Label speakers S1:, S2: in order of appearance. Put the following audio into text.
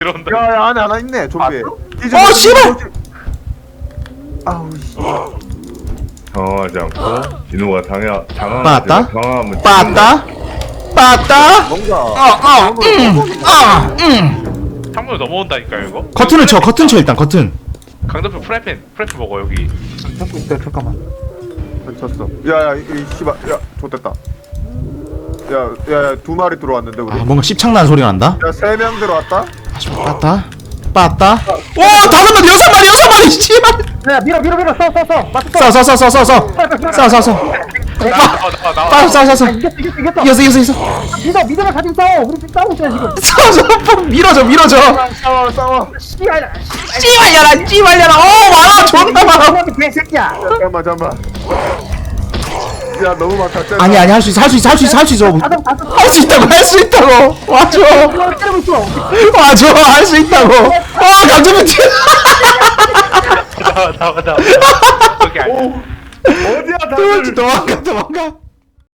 S1: 이런다.
S2: 야야 안에 하나 있네 좀비.
S3: 씨발!
S2: 아우 씨.
S4: 당황하지 않고 진호가
S3: 빠았다?
S4: 당황하면
S3: 빠았다? 빠았다?
S2: 뭔가.
S1: 창문을 넘어온다니까요 이거.
S3: 커튼을 쳐, 커튼 쳐, 일단, 커튼.
S1: 강대표 프라이팬 먹어 여기.
S2: 잡고 있다 잠깐만. 쳤어. 야야 이 씨발 야 좋됐다. 야야야 두 마리 들어왔는데 우리.
S3: 뭔가 씹창나는 소리가 난다?
S2: 야 세 명 들어왔다.
S3: 빠았다? 빠았다? 오! 5마리, 6마리, 씨발!
S5: 야 밀어 써
S1: 나와.
S3: 싸.
S5: 이겼어
S3: 이겼어.
S5: 믿어라 가지고 싸워 우리 지금 싸우고 있잖아 지금
S3: 밀어줘.
S2: 싸워.
S5: 씨발
S3: 씨발려라. 많아, 존나 많아.
S5: 개새끼야
S2: 잠깐만. 야 너무 많다.
S3: 아니, 할 수 있어. 할 수 있다고. 와줘.
S5: 때리고 있어
S3: 할 수 있다고. 강점이 튀어.
S1: 나와. 거기 아니야.
S2: 어디야 다들.
S3: 도망가.